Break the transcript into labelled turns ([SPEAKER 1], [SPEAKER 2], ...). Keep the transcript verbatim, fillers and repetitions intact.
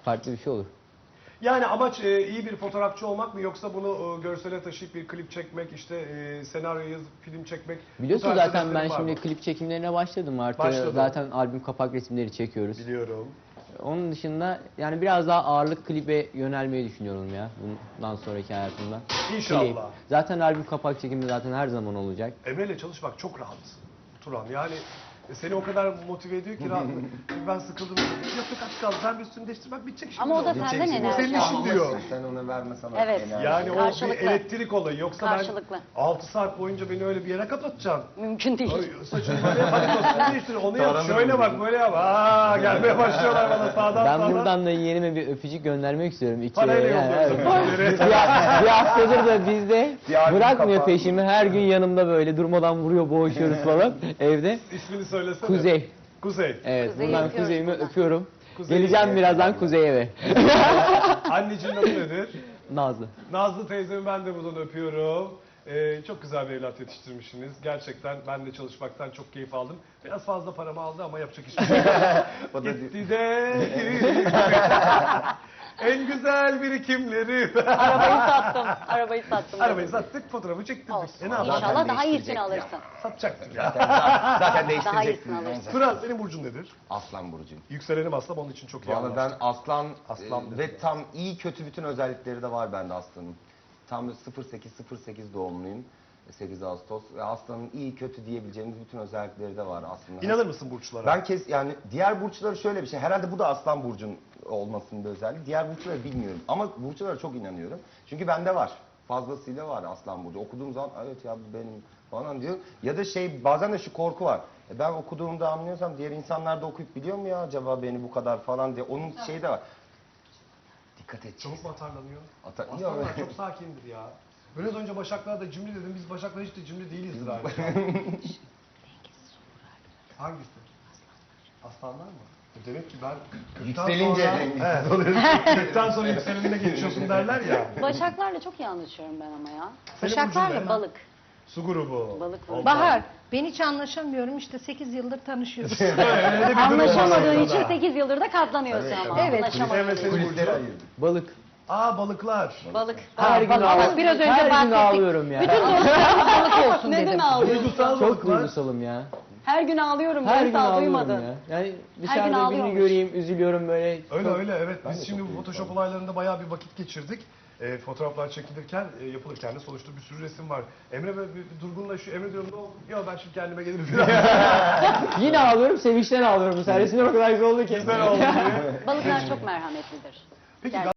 [SPEAKER 1] farklı bir şey olur.
[SPEAKER 2] Yani amaç e, iyi bir fotoğrafçı olmak mı yoksa bunu e, görsele taşıyıp bir klip çekmek, işte e, senaryo yazıp film çekmek?
[SPEAKER 1] Biliyorsun zaten ben şimdi klip çekimlerine başladım artık.
[SPEAKER 2] Başladım.
[SPEAKER 1] Zaten albüm kapak resimleri çekiyoruz.
[SPEAKER 2] Biliyorum.
[SPEAKER 1] Onun dışında yani biraz daha ağırlık klibe yönelmeyi düşünüyorum ya bundan sonraki hayatımda.
[SPEAKER 2] İnşallah.
[SPEAKER 1] Klip. Zaten albüm kapak çekimi zaten her zaman olacak.
[SPEAKER 2] Emre'yle çalışmak çok rahat Turan. Yani seni o kadar motive ediyor ki rahat. Ben sıkıldım. Yaptık az kaldı. Sen bir üstünü değiştir bak bitecek şimdi.
[SPEAKER 3] Ama o da
[SPEAKER 2] Bitecek
[SPEAKER 3] senden
[SPEAKER 2] şimdi.
[SPEAKER 3] enerji
[SPEAKER 2] O senin işin diyor.
[SPEAKER 4] Sen ona vermesen
[SPEAKER 3] Evet.
[SPEAKER 4] enerji.
[SPEAKER 2] Yani o bir
[SPEAKER 3] Karşılıklı.
[SPEAKER 2] elektrik olayı. Yoksa
[SPEAKER 3] Karşılıklı.
[SPEAKER 2] ben altı saat boyunca beni öyle bir yere kapatacaksın.
[SPEAKER 3] Mümkün değil.
[SPEAKER 2] Ay, saçını böyle yap, hadi kostümü değiştir. Onu yap,
[SPEAKER 4] Taranır
[SPEAKER 2] şöyle
[SPEAKER 4] mı
[SPEAKER 2] bak,
[SPEAKER 4] diyor?
[SPEAKER 2] böyle yap. Aa, gelmeye başlıyorlar bana sağdan
[SPEAKER 1] Ben
[SPEAKER 2] sağdan.
[SPEAKER 1] buradan da yeğenime bir öpücük göndermek istiyorum. İki,
[SPEAKER 2] Parayla
[SPEAKER 1] yani,
[SPEAKER 2] yolluyorsun
[SPEAKER 1] evet.
[SPEAKER 2] öpücükleri.
[SPEAKER 1] bir, bir haftadır da bizde
[SPEAKER 4] Bir albüm
[SPEAKER 1] bırakmıyor
[SPEAKER 4] kapağı.
[SPEAKER 1] peşimi. Her gün yanımda böyle durmadan vuruyor, boğuşuyoruz falan evde.
[SPEAKER 2] İsmini söylesene.
[SPEAKER 1] Kuzey.
[SPEAKER 2] Kuzey.
[SPEAKER 1] Evet,
[SPEAKER 3] Kuzeyi
[SPEAKER 1] buradan
[SPEAKER 3] öpüyoruz
[SPEAKER 1] kuzeyimi
[SPEAKER 3] buradan.
[SPEAKER 1] öpüyorum.
[SPEAKER 2] Kuzeyi
[SPEAKER 1] Geleceğim
[SPEAKER 2] öpüyoruz.
[SPEAKER 1] birazdan kuzeye eve.
[SPEAKER 2] Anneciğin adı nedir?
[SPEAKER 1] Nazlı.
[SPEAKER 2] Nazlı teyzemi ben de buradan öpüyorum. Ee, çok güzel bir evlat yetiştirmişsiniz. Gerçekten ben de çalışmaktan çok keyif aldım. Biraz fazla paramı aldı ama yapacak hiçbir şey yok.
[SPEAKER 4] O da
[SPEAKER 2] Gitti de en güzel birikimleri.
[SPEAKER 3] Arabayı sattım. Arabayı sattım.
[SPEAKER 2] Arabayı sattık, fotoğrafı çektirdik.
[SPEAKER 3] Olsun.
[SPEAKER 2] E ne yapalım?
[SPEAKER 3] İnşallah daha iyisini
[SPEAKER 4] değiştirecek
[SPEAKER 3] alırsın.
[SPEAKER 2] Satacaktık ya.
[SPEAKER 4] zaten
[SPEAKER 3] Daha
[SPEAKER 4] değiştireceksin.
[SPEAKER 3] iyisini alırsın.
[SPEAKER 2] Turan senin burcun nedir?
[SPEAKER 4] Aslan burcu.
[SPEAKER 2] Yükselenim aslan, onun için çok iyi
[SPEAKER 4] Valla ben
[SPEAKER 2] anlaştık.
[SPEAKER 4] aslan,
[SPEAKER 2] Aslan
[SPEAKER 4] e,
[SPEAKER 2] dedim.
[SPEAKER 4] ve tam iyi kötü bütün özellikleri de var bende aslanın. Tam sıfır sekiz sıfır sekiz doğumluyum. sekiz Ağustos. Ve aslanın iyi kötü diyebileceğimiz bütün özellikleri de var aslında.
[SPEAKER 2] İnanır mısın burçlara?
[SPEAKER 4] Ben kes yani diğer burçları şöyle bir şey. Herhalde bu da aslan burcun olmasının bir özelliği. Diğer burçları bilmiyorum ama burçlara çok inanıyorum. Çünkü bende var. Fazlasıyla var aslan burcu. Okuduğum zaman evet ya bu benim falan diyor. Ya da şey bazen de şu korku var. E ben okuduğumda anlıyorsam diğer insanlar da okuyup biliyor mu ya acaba beni bu kadar falan diye. Onun şeyi de var. Dikkat edeceğiz.
[SPEAKER 2] Çabuk mu atarlanıyor?
[SPEAKER 4] Ata-
[SPEAKER 2] Aslanlar çok sakindir ya. Biraz önce Başaklar da cimri dedim. Biz Başaklar hiç de cimri değilizdir abi. Hangisi? Aslanlar mı? E Demek ki ben kırktan
[SPEAKER 4] Yükselince
[SPEAKER 2] sonra...
[SPEAKER 4] dengesiz
[SPEAKER 2] Evet.
[SPEAKER 4] oluyorsun.
[SPEAKER 2] kırktan sonra yükselenine geçiyorsun derler ya.
[SPEAKER 3] Başaklarla çok iyi anlaşıyorum ben ama ya.
[SPEAKER 2] Senin
[SPEAKER 5] Başaklarla
[SPEAKER 2] burcun ne?
[SPEAKER 3] Balık.
[SPEAKER 2] Su grubu.
[SPEAKER 3] Balık
[SPEAKER 2] Olmaz.
[SPEAKER 5] Bahar, ben hiç anlaşamıyorum işte sekiz yıldır tanışıyoruz.
[SPEAKER 2] Öyle bir durum var
[SPEAKER 3] Anlaşamadığın için
[SPEAKER 2] ortada.
[SPEAKER 3] sekiz yıldır da katlanıyorsun ama.
[SPEAKER 5] Evet.
[SPEAKER 3] Anlaşamadığın
[SPEAKER 2] Evet,
[SPEAKER 3] için.
[SPEAKER 2] senin
[SPEAKER 4] Kulisleri
[SPEAKER 2] burcun.
[SPEAKER 4] ayırdım.
[SPEAKER 1] Balık.
[SPEAKER 2] Aa balıklar.
[SPEAKER 3] Balık.
[SPEAKER 1] Her gün
[SPEAKER 3] balık.
[SPEAKER 1] ağlıyorum.
[SPEAKER 5] biraz önce
[SPEAKER 1] Her gün
[SPEAKER 5] bahsettik.
[SPEAKER 1] ağlıyorum ya.
[SPEAKER 5] Bütün dostlarım balık olsun
[SPEAKER 3] Neden
[SPEAKER 5] dedim.
[SPEAKER 3] ağlıyorsun?
[SPEAKER 2] Duygusal
[SPEAKER 1] Çok
[SPEAKER 2] balıklar.
[SPEAKER 1] duygusalım ya.
[SPEAKER 3] Her gün ağlıyorum.
[SPEAKER 1] Her
[SPEAKER 3] ben
[SPEAKER 1] gün
[SPEAKER 3] daha
[SPEAKER 1] ağlıyorum
[SPEAKER 3] duymadın.
[SPEAKER 1] ya. Yani
[SPEAKER 3] gün
[SPEAKER 1] dışarıda birini
[SPEAKER 3] ağlıyormuş.
[SPEAKER 1] göreyim, üzülüyorum böyle.
[SPEAKER 2] Öyle
[SPEAKER 1] Çok-
[SPEAKER 2] öyle evet.
[SPEAKER 4] Ben de
[SPEAKER 2] Biz şimdi
[SPEAKER 4] çok
[SPEAKER 2] bu Photoshop
[SPEAKER 4] duygusal.
[SPEAKER 2] olaylarında bayağı bir vakit geçirdik. E, fotoğraflar çekilirken, e, yapılırken de sonuçta bir sürü resim var. Emre böyle bir, bir durgunlaşıyor. Emre diyorum ne oldu? Ya ben şimdi kendime gelirim falan.
[SPEAKER 1] Yine ağlıyorum, sevinçten ağlıyorum bu sefer. Resimler o kadar güzel oldu ki.
[SPEAKER 2] Güzel oldu diye.
[SPEAKER 3] Balıklar çok merhametlidir.
[SPEAKER 2] Peki
[SPEAKER 3] Gerçekten.